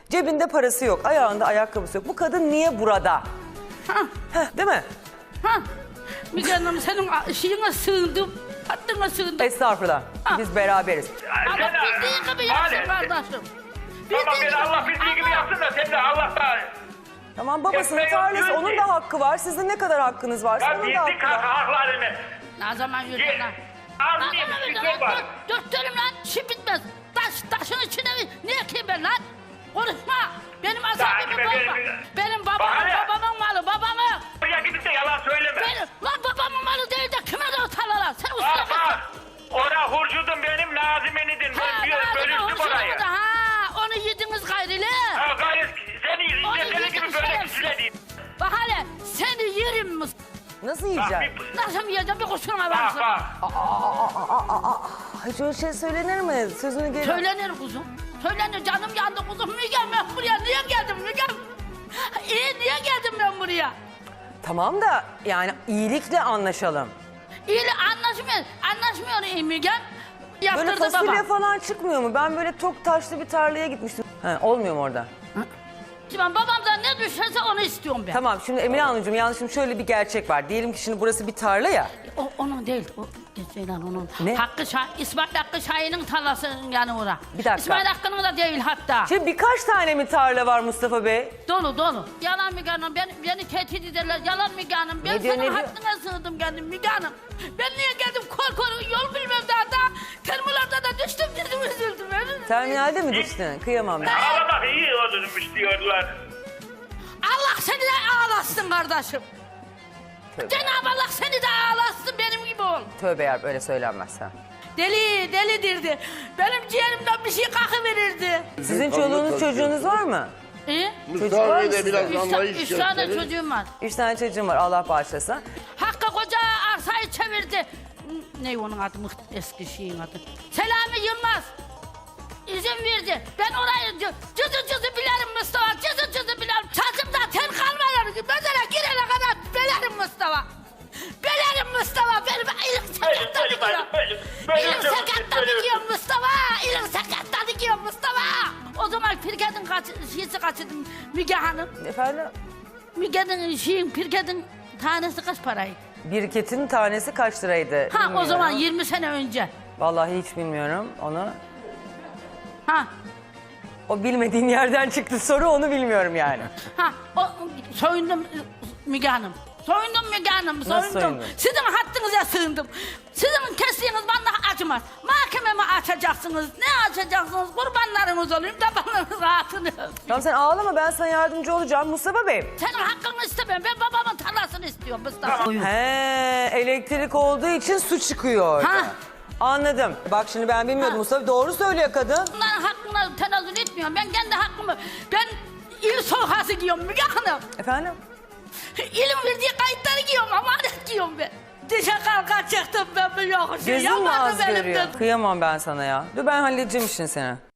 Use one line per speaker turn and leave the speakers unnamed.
Cebinde parası yok, ayağında ayakkabısı yok. Bu kadın niye burada? Değil mi?
Müge Hanım senin şeyine sığındım. Hattına sığındım.
Estağfurullah. Biz beraberiz.
Allah bildiğin gibi yapsın kardeşim.
Tamam beni Allah bildiği gibi yapsın da sen de Allah'tan.
Tamam, babasının
Yapma,
tarlası,
yapıyorsun
onun
ki.
da hakkı var. Sizin ne kadar hakkınız varsa
Ya
onun da
bildik
hakkı var.
haklarını.
Ne zaman yürüdün lan?
Az diye bir şey var.
Dörtlerim lan, işim bitmez. Taşın içine niye ki ben lan? Konuşma. Benim asabımı bozma. Benim babamın malı, babamın.
Buraya gidip de yalan söyleme.
Lan babamın malı değil de kime de o tarlalar? Sen usta
Bak bak. Ora hurcudun benim, Nazime'nidin. Ben bölüştüm orayı.
Onu yediniz gayrili.
Ha gayet seni gibi böyle kişiler değil.
Bak hele seni yerim mi?
Nasıl
Bak
yiyeceksin?
bir...
Nasıl yiyeceğim bir kusuruma
Bak
varsın.
bak.
Hiç öyle şey söylenir mi? Sözünü geri...
Söylenir kuzum. Söylenir, canım yandı kuzum. Mügem ben buraya niye geldim Mügem? Niye geldim ben buraya?
Tamam da yani iyilikle anlaşalım.
İyi anlaşmıyor Mügem.
Böyle
Yaptırdı
fasulye
baba.
falan çıkmıyor mu? Ben böyle tok taşlı bir tarlaya gitmiştim. Olmuyor mu orada?
Şimdi babamdan ne düşerse onu istiyorum ben.
Tamam, şimdi Emine Hanımcığım, yalnız şimdi şöyle bir gerçek var. Diyelim ki şimdi burası bir tarla ya.
O onun değil. O Ceylan onun.
Ne?
İsmail Hakkı Şahin'in tarlası yani ora.
Bir dakika.
İsmail Hakkı'nın da değil hatta.
Şimdi birkaç tane mi tarla var Mustafa Bey?
Dolu. Yalan Müge Hanım. Beni tehdit ederler. Yalan Müge Hanım. Ben
Ne diyor,
senin
ne diyor?
hakkına sığındım geldim Müge Hanım. Ben niye geldim kor yol bilmem daha. Termolarda da düştüm dedim üzüldüm.
Terminalde mi düştün? Kıyamam ben.
Ağlamak iyi olurmuş diyorlar.
Allah seni de ağlasın kardeşim.
Tövbe,
Cenab-ı Allah seni de ağlasın benim gibi ol.
tövbe yarabbim, öyle söylenmez ha.
Delidirdi. Benim ciğerimden bir şey kakıverirdi.
Sizin çoluğunuz çocuğunuz var mı?
Mustafa
var
Bey
mı
de
sizde?
biraz anlayış
Üç tane
gösterir.
çocuğum var.
3 tane çocuğum var, Allah bağışlasın.
Hakkı koca arsayı çevirdi. Ne onun adı, eski şeyin adı. Selami Yılmaz. İzin verdi. Ben orayı cızı bilirim Mustafa. Cızı bilirim. Saçımda tel kalmayan. Mesela girene kadar belerim Mustafa. Belerim Mustafa. Benim ilim sakattan dikiyor. İlim sakattan dikiyor Mustafa. İlim sakattan dikiyor Mustafa. O zaman Pirket'in şeysi kaçırdı Müge Hanım.
Efendim?
Müge'nin Pirket'in tanesi kaç paraydı?
Biriketin tanesi kaç liraydı?
Ha o
Bilmiyorum.
zaman 20 sene önce.
Vallahi hiç bilmiyorum onu.
Ha
O bilmediğin yerden çıktı soru, onu bilmiyorum yani.
soyundum Müge Hanım. Soyundum Müge Hanım,
Nasıl soyundun?
Sizin hattınıza sığındım. Sizin kestiğiniz bana acımaz. Mahkememi açacaksınız. Ne açacaksınız? Kurbanlarınız olayım da bana rahatını.
Tamam, sen ağlama, ben sana yardımcı olacağım Mustafa Bey.
Senin hakkını istemem. Ben babamın tarlasını istiyorum Mustafa.
He, elektrik olduğu için su çıkıyor orada.
Ha.
Anladım. Bak şimdi ben bilmiyordum,
Ha.
Mustafa doğru söylüyor kadın.
Bunların hakkına tenezzül etmiyorum. Ben kendi hakkımı... Ben il sokası giyiyorum Müge Hanım.
Efendim?
İlim verdiği kayıtları giyiyorum, amanet giyiyorum ben. Dişe kalka çıktım ben bu yokuşu.
Gözün mü
Yamanım
az
elimden.
görüyor? Kıyamam ben sana ya. Dur ben halledeceğim işini seni.